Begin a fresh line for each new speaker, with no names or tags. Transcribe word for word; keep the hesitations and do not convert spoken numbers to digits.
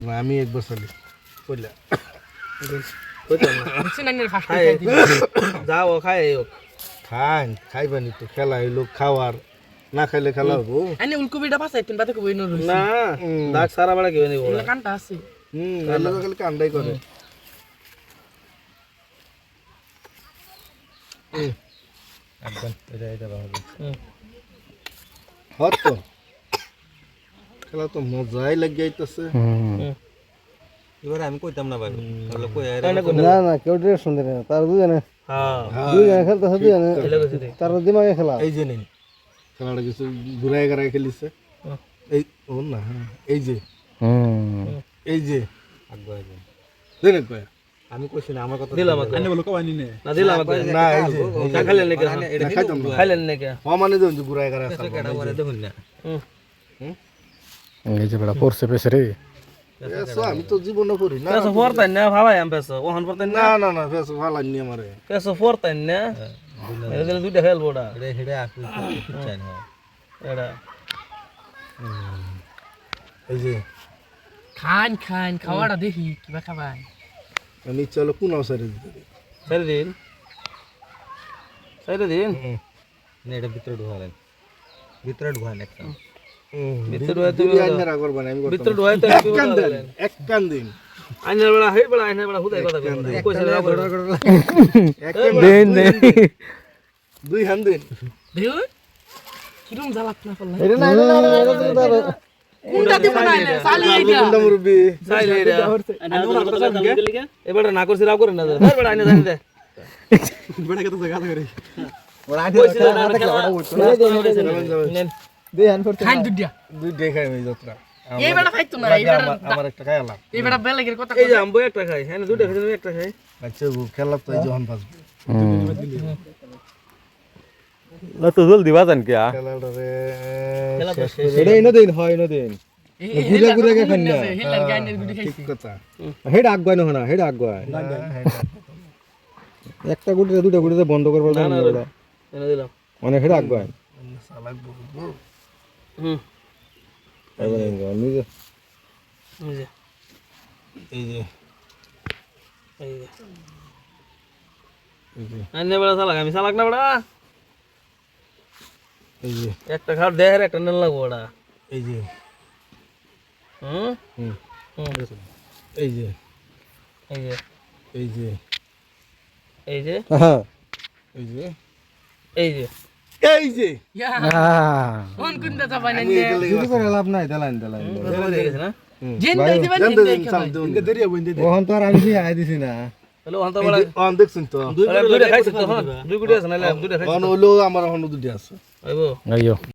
না আমি একবার চলি কইলা
যাও খাই
খান খাইবানি তো খেলা হইলো খাওয়ার না খাইলে খেলা হবো
আনি উলকুবিটা পাসাই তিন বাতে কই নরুছি
না দাগ সারা বেলা কেউ নেই
ওলা কানটা আছে
হুম এলো খালি কান্দাই করে হুম একদম এটা এটা ভালো হুম হত তো খেলা তো মজাই লাগি যাইতাছে হুম
এবারে আমি কইতাম না ভাই তাহলে কই
না না কেউ ড্রেস শুনতে না তার দুজনে
হ্যাঁ
দুজনে খেলতে হবে দুজনে তার দিমাগে খেলা
এই যে নেই খেলাটা কিছু ঘুরাই ঘুরাই খেলিছে এই ও না এই যে হুম এই যে
আগে
দেন কয়
আমি কইছি না আমার কথা
দিলাম আনে বলো কবানি নে না দিলাম
না এই যে
না খাইলেন নাকি
এটা খাইতাম না
খাইলেন নাকি
হ মানে দেন যে ঘুরাই ঘুরাই
কেডা করে দেখুন না
হুম
এই যে বড় পড়ছে পেছে রে
পেছো আমি তো জীবনে পড়ি না
পেছো ফোরতাই না ভাবাই আম পেছো ওহন পড়তাই না
না না না পেছো ভালানি আমারে
পেছো ফোরতাই না এর দিলে দুইটা খেলবো ওটা
এটা হেডে আকু চাই না
এটা
এই যে
খান খান খাওয়াটা দেখি কিবা খাবাই
আমি চলো কোন অবসরে দিতে
ছেড়ে দিন ছেড়ে দিন
না এটা ভিতরে ঢুকালেন ভিতরে ঢুকান একটা
ভিতরে ঢুকাই তুমি
আইনার আগর বানাই আমি
ভিতরে ঢুকাই তো
এক কান দেন এক কান দিন
আইনার বেলা হেই বেলা আইনার বেলা হুদাই কথা কইছে না
এক কান
দেন দেন
দুই হান দিন
দেউ কিরম জ্বালাত না করলা
এটা না এটা না এটা তো তার
কোনটা দিব না চালি এইটা
কোনটা মুরবি
চাইলে রে এবারে না করছি রাও করে না ধর বেলা আইনা জানি দে
বড় কত জায়গা করে
কইছে না নেন
দে আন করতে
খান দুডিয়া
দুই দেখাই আমি যাত্রা
এই বেটা খাইতো না এই বেটা
আমার একটা খাইলাম
এই বেটা বেলেগের কথা
এই যে আম্বো একটা খাই হ্যাঁ দুইটা খাই তুমি একটা খাই
আচ্ছা খেলা তো এই যখন বাজবে
না তো জলদি বাজান কে
খেলাটা রে
খেলা তো শেষ
এটা ইনো দেন হয় ইনো দেন ঘুরে ঘুরে কে খান না
হেলার গানের গুডি খাইছি
ঠিক কথা
হেড আগুয়াই না না হেড আগুয়াই একটা গুড়ি দুটো গুড়িতে বন্ধ করব
না
না
না এনে দিলাম
মানে হেড আগুয়াই
সালাক বলবো
হুম
এবারে নিজে
এই যে
এই যে
এই যে
এই যে
আইনে বেলা চালাক আমি চালাক না বড়া
এই যে
একটা খাট দেহের একটা নেন লাগবো ওটা
এই যে
হুম
হুম
হুম
এই যে
এই যে
এই যে
এই যে
হ্যাঁ
এই যে
এই যে
এই যে
ইয়া
হ্যাঁ
কোন কোনটা যাবাই না
আমি এটা লেগে
কিছু করে লাভ নাই দেলাইন দেলাইন
হয়ে গেছে না
জেন দেই দিবেন
জান
জেন
দেন
দেই
সাম
খাবাই
দেন দরিয়া বইন্দে দে
ওহন তো আর আমি আই দিছি না
হ্যালো অন্ত বড়া
অন দেখছেন তো
দুই দুইটা খাইছে তো হ্যাঁ দুই গুটি আছে না দুইটা খাইছে
অন হলো আমার হন দুটি আছে
আইবো
আইয়ো